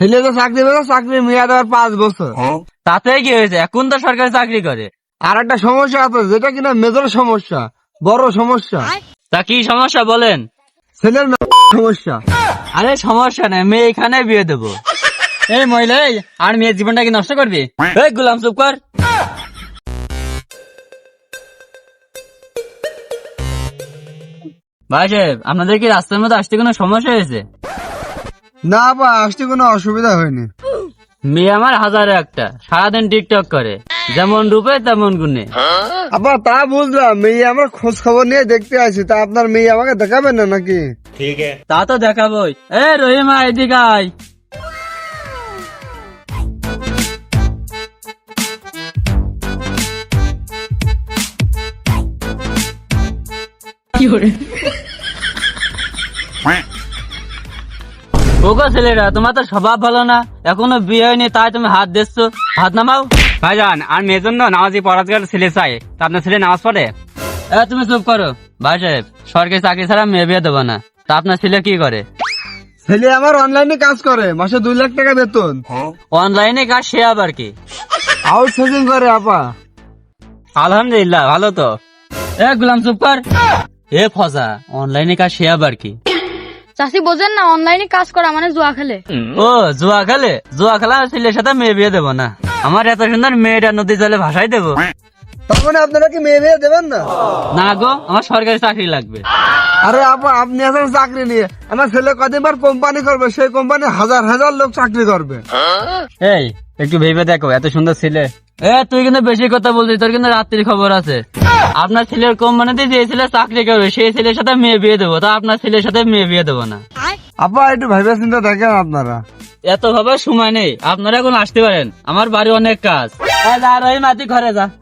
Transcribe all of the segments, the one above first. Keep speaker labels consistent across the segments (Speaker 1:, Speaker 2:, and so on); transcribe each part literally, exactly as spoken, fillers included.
Speaker 1: ছেলে তো চাকরি পেয়েছে, চাকরি মেয়াদ আবার পাঁচ বছর।
Speaker 2: তাতে কি হয়েছে, এখন তো সরকারি চাকরি করে।
Speaker 1: আর একটা সমস্যা আছে, যেটা কিনা মেজর সমস্যা, বড় সমস্যা।
Speaker 2: তা কি সমস্যা বলেন?
Speaker 1: ছেলের সমস্যা।
Speaker 2: আরে সমস্যা নেই, মেয়ে এখানে বিয়ে দেবো। এই মহিলা, এই আর মেয়ের জীবনটা কি নষ্ট করবি? এই গোলাম চুপ কর। ভাই সাহেব, আপনাদের কি রাস্তার মধ্যে আসতে কোনো সমস্যা হয়েছে?
Speaker 1: না বা আসতে কোনো অসুবিধা হয়নি।
Speaker 2: মেয়ে আমার হাজারে একটা, সারাদিন টিকটক করে, যেমন রূপে তেমন গুণে।
Speaker 1: আবার তা বুঝলাম, মেয়ে আমরা খোঁজ খবর নিয়ে দেখতে আছি, তা আপনার মেয়ে আমাকে দেখাবেন না নাকি?
Speaker 2: তা তো দেখাবোই। এ রহিমা, এদিকে আয়। ওগো ছেলেরা, তোমার তো স্বভাব ভালো না, এখনো বিয়ে হয়নি তাই তুমি হাত দিচ্ছ। হাত নামাও।
Speaker 3: ভাইজান, আর মেয়ের জন্য নামাজি পড়াতে ছেলে চাই, তা আপনার ছেলে নামাজ পড়ে?
Speaker 2: এ তুমি চুপ করো। ভাই সাহেব, সরকারি চাকরি ছাড়া মেয়ে বিয়ে দেবো না। তা আপনার ছেলে কি করে?
Speaker 1: ছেলে আমার অনলাইনে কাজ করে, মাসে দুই লাখ টাকা বেতন।
Speaker 2: অনলাইনে কাজ, সে আবার কি?
Speaker 1: আউটসোর্সিং করে আপা।
Speaker 2: আলহামদুলিল্লাহ, ভালো তো। এ গোলাম চুপ কর। এ ফজা, অনলাইনে কাজ, সে আবার কি?
Speaker 4: চাষি বোঝেন না, অনলাইনে কাজ করা মানে জুয়া খেলে।
Speaker 2: ও জুয়া খেলে? জুয়া খেলা ছেলের সাথে মেয়ে বিয়ে দেবো না। আমার এত সুন্দর মেয়েটা নদী জলে ভাসাই দেবো।
Speaker 1: তার মানে আপনারা কি মেয়ে বিয়ে দেবেন না?
Speaker 2: না গো, আমার সরকারি চাকরি লাগবে।
Speaker 1: আরে আপা, আপনি এখন চাকরি নিয়ে, আমার ছেলে কদিনবার কোম্পানি করবে, সেই কোম্পানি হাজার হাজার লোক চাকরি করবে।
Speaker 2: এই একটু ভেবে দেখো, এত সুন্দর ছেলে। এ তুই কিন্তু বেশি কথা বলছিস, তোর কিন্তু রাত্রির খবর আছে। আপনার ছেলের কোম্পানিতে যে ছেলে চাকরি করবে, সেই ছেলের সাথে মেয়ে বিয়ে দেবো, তা আপনার ছেলের সাথে মেয়ে বিয়ে দেবো না।
Speaker 1: আপা একটু ভেবে চিন্তা দেখেন আপনারা।
Speaker 2: এত ভাবার সময় নেই, আপনারা এখন আসতে পারেন, আমার বাড়ি অনেক কাজ। এ যা রহিম, তুই ঘরে যা।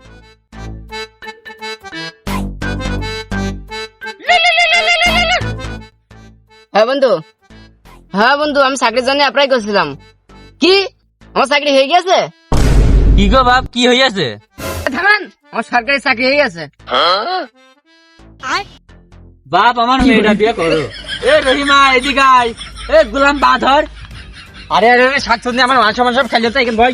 Speaker 5: হ্যাঁ বন্ধু, হ্যাঁ বন্ধু, আমি চাকরির জন্য অ্যাপ্লাই করছিলাম। কি আমার চাকরি হয়ে গেছে?
Speaker 2: কি গো বাপ, কি হইয়াছে?
Speaker 5: থামান, আমার সরকারি চাকরি হয়ে গেছে।
Speaker 2: বাপ, আমার মেয়েটা বিয়ে করো। এ রহিমা, এদিকে আয়। এ গোলাম বাধর।
Speaker 3: আরে আরে শাকসবজি আমার মাংস মাংস খাইলে তো ভাই।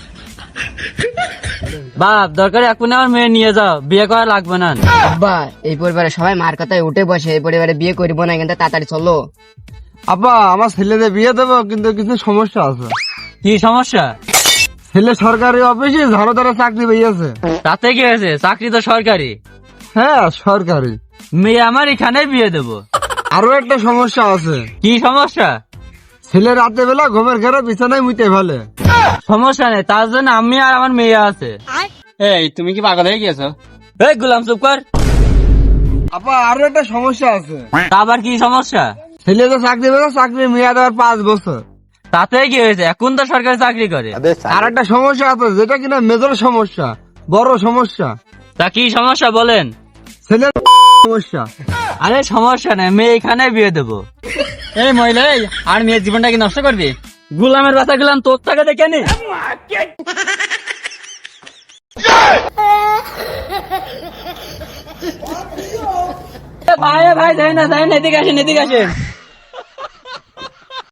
Speaker 2: বাপ, দরকার এখন আমার মেয়ে নিয়ে যাও, বিয়ে করা লাগবে না।
Speaker 5: আব্বা, এই পরিবারে সবাই মার কথায় উঠে বসে, এই পরিবারে বিয়ে করবো না, কিন্তু তাড়াতাড়ি চলো।
Speaker 1: আপা, আমার ছেলেদের বিয়ে দেবো, কিন্তু কিছু সমস্যা আছে।
Speaker 2: কি সমস্যা?
Speaker 1: ছেলে সরকারি অফিসে ঝাড়ু দ্বারা চাকরি পেয়েছে।
Speaker 2: তাতে কি হয়েছে, চাকরি তো সরকারি।
Speaker 1: হ্যাঁ সরকারি।
Speaker 2: মেয়ে আমার এখানে বিয়ে দেবো।
Speaker 1: আরো একটা সমস্যা আছে।
Speaker 2: কি সমস্যা?
Speaker 1: ছেলে রাতে বেলা ঘুমের ঘরে বিছানায় মুতে ফেলে।
Speaker 2: সমস্যা নেই, তার জন্য আমি আর আমার মেয়ে আছে।
Speaker 3: এই তুমি কি পাগল হয়ে গেছো?
Speaker 2: এই গোলাম চুপ কর।
Speaker 1: আপা আরো একটা সমস্যা আছে।
Speaker 2: তা আবার কি সমস্যা?
Speaker 1: ছেলে তো চাকরি পেয়েছে, চাকরি মেয়াদ আবার পাঁচ বছর।
Speaker 2: তাতে কি হয়েছে, এখন তো সরকারি চাকরি করে।
Speaker 1: আর একটা সমস্যা আছে, যেটা কিনা মেজর সমস্যা, বড় সমস্যা।
Speaker 2: তা কি সমস্যা বলেন?
Speaker 1: ছেলের সমস্যা।
Speaker 2: আরে সমস্যা নেই, মেয়ে এখানে বিয়ে দেবো।
Speaker 3: এই মহিলা, এই আর মেয়ের জীবনটা কি নষ্ট করবি?
Speaker 2: গোলামের বাচ্চা গেলাম, তোর টাকা দেখে নি। ভাই ভাই, যাই না যাই না, এদিকে আসেন, এদিকে আসেন।